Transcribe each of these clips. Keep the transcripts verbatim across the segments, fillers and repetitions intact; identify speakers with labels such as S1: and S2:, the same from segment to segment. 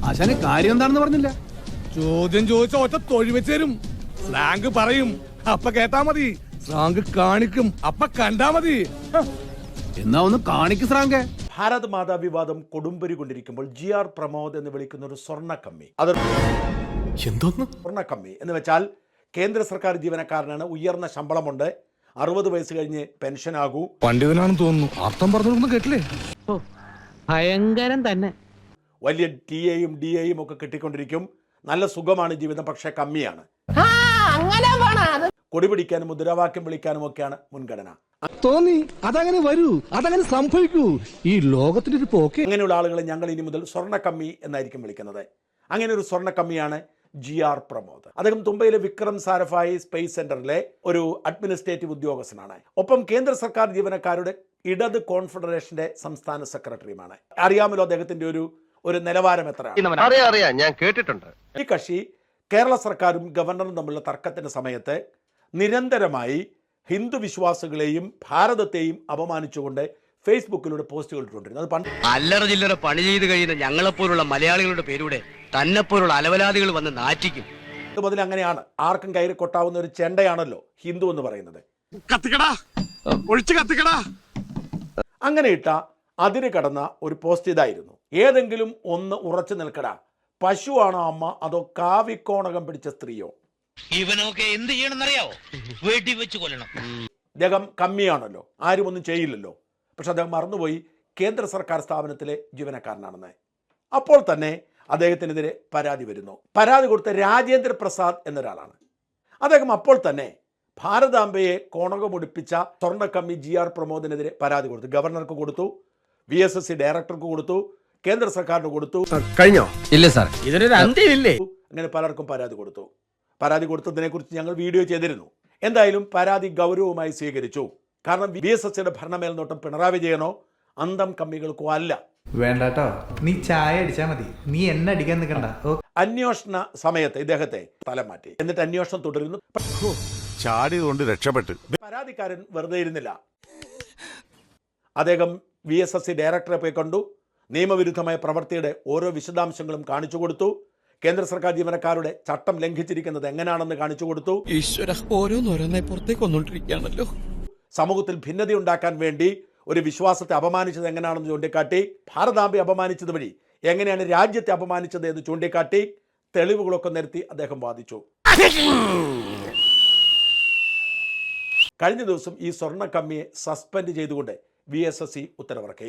S1: ആശാന് കാര്യം എന്താണെന്ന് പറഞ്ഞില്ല.
S2: ചോദ്യം ചോദിച്ച ഒറ്റ തൊഴി വെച്ച് തരും. സ്ലാങ് പറയും, അപ്പ കേട്ടാ മതി. സ്ലാങ് കാണിക്കും, അപ്പ കണ്ടാ മതി.
S1: എന്നാ ഒന്ന് കാണിക്ക് സ്രാങ്കേ.
S3: ഭാരത് മാതാ വിവാദം കൊടുമ്പരി കൊണ്ടിരിക്കുമ്പോൾ ജി ആർ പ്രമോദ് എന്ന് വിളിക്കുന്ന ഒരു സ്വർണ്ണ കമ്മി, അത്
S1: എന്തോന്ന്
S3: സ്വർണ്ണ കമ്മി എന്ന് വെച്ചാൽ കേന്ദ്ര സർക്കാർ ജീവനക്കാരനാണ്, ഉയർന്ന ശമ്പളമുണ്ട്, അറുപത് വയസ്സ് കഴിഞ്ഞ് പെൻഷൻ ആകൂ.
S2: പണ്ഡിതനാണെന്ന് തോന്നുന്നു. അർത്ഥം പറഞ്ഞു കേട്ടില്ലേ?
S4: ഭയങ്കരം തന്നെ.
S3: വലിയ ടി എയും ഡി എയും ഒക്കെ കിട്ടിക്കൊണ്ടിരിക്കും. നല്ല സുഖമാണ് ജീവിതം, പക്ഷെ കമ്മിയാണ്. കൊടി പിടിക്കാനും മുദ്രാവാക്യം വിളിക്കാനും ഒക്കെയാണ് മുൻഗണന.
S5: തോന്നി അതങ്ങനെ വരൂ, അതങ്ങനെ സംഭവിക്കൂ. ഈ ലോകത്തിന്റെ ഒരു പോക്ക്.
S3: അങ്ങനെയുള്ള ആളുകളെ ഞങ്ങൾ ഇനി മുതൽ സ്വർണ്ണ കമ്മി എന്നായിരിക്കും വിളിക്കുന്നത്. അങ്ങനെ ഒരു സ്വർണ്ണ കമ്മിയാണ് ജി ആർ പ്രമോദ്. അദ്ദേഹം തുമ്പയിലെ വിക്രം സാരഭായി സ്പേസ് സെന്ററിലെ ഒരു അഡ്മിനിസ്ട്രേറ്റീവ് ഉദ്യോഗസ്ഥനാണ്. ഒപ്പം കേന്ദ്ര സർക്കാർ ജീവനക്കാരുടെ ഇടത് കോൺഫെഡറേഷന്റെ സംസ്ഥാന സെക്രട്ടറിയുമാണ്. അറിയാമല്ലോ അദ്ദേഹത്തിന്റെ ഒരു ഒരു നിലവാരം എത്രയാണ്.
S6: ഞാൻ കേട്ടിട്ടുണ്ട്.
S3: ഈ കക്ഷി കേരള സർക്കാരും ഗവർണറും തമ്മിലുള്ള തർക്കത്തിന്റെ സമയത്ത് നിരന്തരമായി ഹിന്ദു വിശ്വാസികളെയും ഭാരതത്തെയും അപമാനിച്ചുകൊണ്ട് ഫേസ്ബുക്കിലൂടെ പോസ്റ്റുകൾ ഇട്ടുകൊണ്ടിരുന്നു. അത് പണ്ട്
S7: അല്ലറ ചില്ലറ പണി ചെയ്ത് കഴിയുന്ന ഞങ്ങളെപ്പോലുള്ള മലയാളികളുടെ പേരുടെ തന്നെപ്പോലുള്ള അലവലാദികൾ വന്ന് നാറ്റിക്കും.
S3: ഇത് മുതൽ അങ്ങനെയാണ്. ആർക്കും കയറി കൊട്ടാവുന്ന ഒരു ചെണ്ടയാണല്ലോ ഹിന്ദു എന്ന് പറയുന്നത്. അങ്ങനെ ഇട്ട അതിര് കടന്ന ഒരു പോസ്റ്റ് ഇതായിരുന്നു: ഏതെങ്കിലും ഒന്ന് ഉറച്ചു നിൽക്കടാ, പശുവാണോ അമ്മ അതോ കാവിക്കോണകം പിടിച്ച സ്ത്രീയോ?
S7: ഇവനൊക്കെ എന്ത് ചെയ്യണമെന്നറിയാവോ? വെടി വെച്ച് കൊല്ലണം.
S3: അദ്ദേഹം കമ്മിയാണല്ലോ, ആരും ഒന്നും ചെയ്യില്ലല്ലോ. പക്ഷെ അദ്ദേഹം മറന്നുപോയി കേന്ദ്ര സർക്കാർ സ്ഥാപനത്തിലെ ജീവനക്കാരനാണെന്ന്. അപ്പോൾ തന്നെ അദ്ദേഹത്തിനെതിരെ പരാതി വരുന്നു. പരാതി കൊടുത്ത രാജേന്ദ്ര പ്രസാദ് എന്നൊരാളാണ്. അദ്ദേഹം അപ്പോൾ തന്നെ ഭാരതാംബയെ കോണകമൊടിപ്പിച്ച സ്വർണ്ണക്കമ്മി ജി ആർ പ്രമോദിനെതിരെ പരാതി കൊടുത്തു. ഗവർണർക്ക് കൊടുത്തു, വി എസ് എസ് സി ഡയറക്ടർക്ക് കൊടുത്തു, കേന്ദ്ര സർക്കാരിന് കൊടുത്തു.
S5: കഴിഞ്ഞോ?
S4: ഇല്ല സാർ, ഇതിനൊരു അന്ത്യമില്ലേ?
S3: അങ്ങനെ പലർക്കും പരാതി കൊടുത്തു. പരാതി കൊടുത്തതിനെ കുറിച്ച് ഞങ്ങൾ വീഡിയോ ചെയ്തിരുന്നു. എന്തായാലും പരാതി ഗൗരവമായി സ്വീകരിച്ചു. കാരണം വി എസ് എസ് സിയുടെ ഭരണമേൽനോട്ടം പിണറായി വിജയനോ അന്തം കമ്മികൾക്കോ അല്ല.
S8: വേണ്ടട്ടോ, നീ ചായ അടിച്ചാ മതി, നീ എന്നെ അടിക്കാൻ നിൽക്കണ്ട.
S3: അന്വേഷണ സമയത്ത് ഇദ്ദേഹത്തെ സ്ഥലം മാറ്റി. എന്നിട്ട് അന്വേഷണം തുടരുന്നു.
S9: ചാടിയതുകൊണ്ട് രക്ഷപ്പെട്ടു.
S3: പരാതിക്കാരൻ വെറുതെ ഇരുന്നില്ല. അദ്ദേഹം വി എസ് എസ് സി ഡയറക്ടറെ പോയി കണ്ടു. നിയമവിരുദ്ധമായ പ്രവൃത്തിയുടെ ഓരോ വിശദാംശങ്ങളും കാണിച്ചു കൊടുത്തു. കേന്ദ്ര സർക്കാർ ജീവനക്കാരുടെ ചട്ടം ലംഘിച്ചിരിക്കുന്നത് എങ്ങനെയാണെന്ന് കാണിച്ചു കൊടുത്തു.
S4: ഈശ്വര, ഓരോന്നോരോന്നായി പുറത്തേക്ക് വന്നോണ്ടിരിക്കുകയാണല്ലോ.
S3: സമൂഹത്തിൽ ഭിന്നതയുണ്ടാക്കാൻ വേണ്ടി ഒരു വിശ്വാസത്തെ അപമാനിച്ചത് എങ്ങനെയാണെന്ന് ചൂണ്ടിക്കാട്ടി, ഭാരതാംബയെ അപമാനിച്ചത് വഴി എങ്ങനെയാണ് രാജ്യത്തെ അപമാനിച്ചത് എന്ന് ചൂണ്ടിക്കാട്ടി തെളിവുകളൊക്കെ നിരത്തി അദ്ദേഹം വാദിച്ചു. കഴിഞ്ഞ ദിവസം ഈ സ്വർണ്ണ കമ്മിയെ സസ്പെൻഡ് ചെയ്തുകൊണ്ട് വി എസ് എസ് സി ഉത്തരവിറക്കി.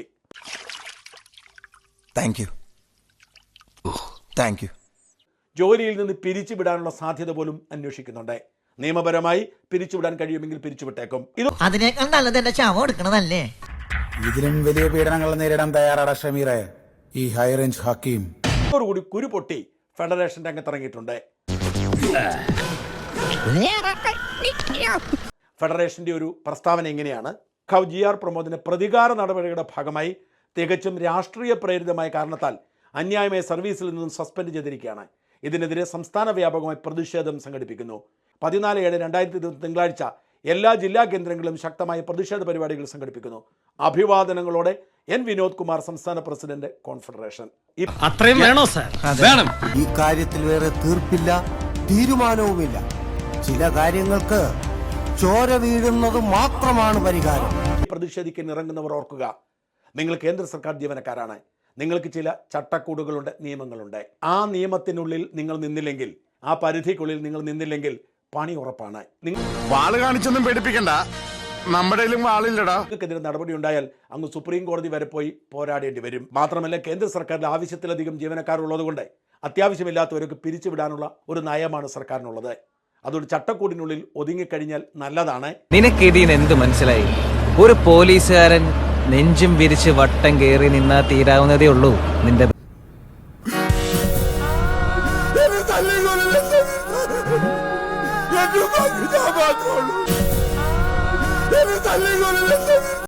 S9: താങ്ക് യു താങ്ക് യു
S3: ജോലിയിൽ നിന്ന് പിരിച്ചുവിടാനുള്ള സാധ്യത പോലും അന്വേഷിക്കുന്നുണ്ട്. നിയമപരമായി പിരിച്ചുവിടാൻ കഴിയുമെങ്കിൽ പിരിച്ചുവിട്ടേക്കും. ഇത്
S10: അതിനേക്കാൾ നല്ലത് എന്റെ ശവം എടുക്കണതല്ലേ?
S9: ഇതിലും വലിയ പീഡനങ്ങൾ നേരിടാൻ തയ്യാറാണ് ഷമീറെ ഈ ഹൈ റേഞ്ച് ഹക്കീം.
S3: ഇതോടുകൂടി കുരു പൊട്ടി ഫെഡറേഷൻ രംഗത്തിറങ്ങിയിട്ടുണ്ട്. ഫെഡറേഷന്റെ ഒരു പ്രസ്താവന എങ്ങനെയാണ്: ജി ആർ പ്രമോദിന് പ്രതികാര നടപടികളുടെ ഭാഗമായി തികച്ചും രാഷ്ട്രീയ പ്രേരിതമായ കാരണത്താൽ അന്യായമായ സർവീസിൽ നിന്നും സസ്പെൻഡ് ചെയ്തിരിക്കുകയാണ്. ഇതിനെതിരെ സംസ്ഥാന വ്യാപകമായി പ്രതിഷേധം സംഘടിപ്പിക്കുന്നു. പതിനാല് ഏഴ് രണ്ടായിരത്തി ഇരുപത്തി തിങ്കളാഴ്ച എല്ലാ ജില്ലാ കേന്ദ്രങ്ങളിലും ശക്തമായ പ്രതിഷേധ പരിപാടികൾ സംഘടിപ്പിക്കുന്നു. അഭിവാദനങ്ങളോടെ എൻ വിനോദ് കുമാർ, സംസ്ഥാന പ്രസിഡന്റ്, കോൺഫെഡറേഷൻ.
S4: അത്രയും വേണോ സാർ? വേണം.
S9: ഈ കാര്യത്തിൽ വേറെ തീർപ്പില്ല, തീരുമാനവുമില്ല. ചില കാര്യങ്ങൾക്ക് ചോര വീഴുന്നത് മാത്രമാണ് പരിഹാരം.
S3: പ്രതിഷേധിക്കാൻ ഇറങ്ങുന്നവർ ഓർക്കുക, നിങ്ങൾ കേന്ദ്ര സർക്കാർ ജീവനക്കാരാണ്. നിങ്ങൾക്ക് ചില ചട്ടക്കൂടുകളുണ്ട്, നിയമങ്ങളുണ്ട്. ആ നിയമത്തിനുള്ളിൽ നിങ്ങൾ നിന്നില്ലെങ്കിൽ, ആ പരിധിക്കുള്ളിൽ നിങ്ങൾ നിന്നില്ലെങ്കിൽ പണി ഉറപ്പാണ്.
S9: വാള് കാണിച്ചൊന്നും പേടിപ്പിക്കണ്ട, നമ്മുടെ വാളില്ലടാ.
S3: നിങ്ങൾക്കെതിരെ നടപടി ഉണ്ടായാൽ അങ്ങ് സുപ്രീം കോടതി വരെ പോയി പോരാടേണ്ടി വരും. മാത്രമല്ല, കേന്ദ്ര സർക്കാരിൽ ആവശ്യത്തിലധികം ജീവനക്കാരുള്ളത് കൊണ്ട് അത്യാവശ്യമില്ലാത്തവരൊക്കെ പിരിച്ചുവിടാനുള്ള ഒരു നയമാണ് സർക്കാരിനുള്ളത്. അതൊരു ചട്ടക്കൂടിനുള്ളിൽ ഒതുങ്ങിക്കഴിഞ്ഞാൽ നല്ലതാണ്.
S4: നിനക്ക് ഇതിന് എന്ത് മനസ്സിലായി? ഒരു പോലീസുകാരൻ നെഞ്ചും വിരിച്ച് വട്ടം കയറി നിന്നാ തീരാവുന്നതേ ഉള്ളൂ നിന്റെ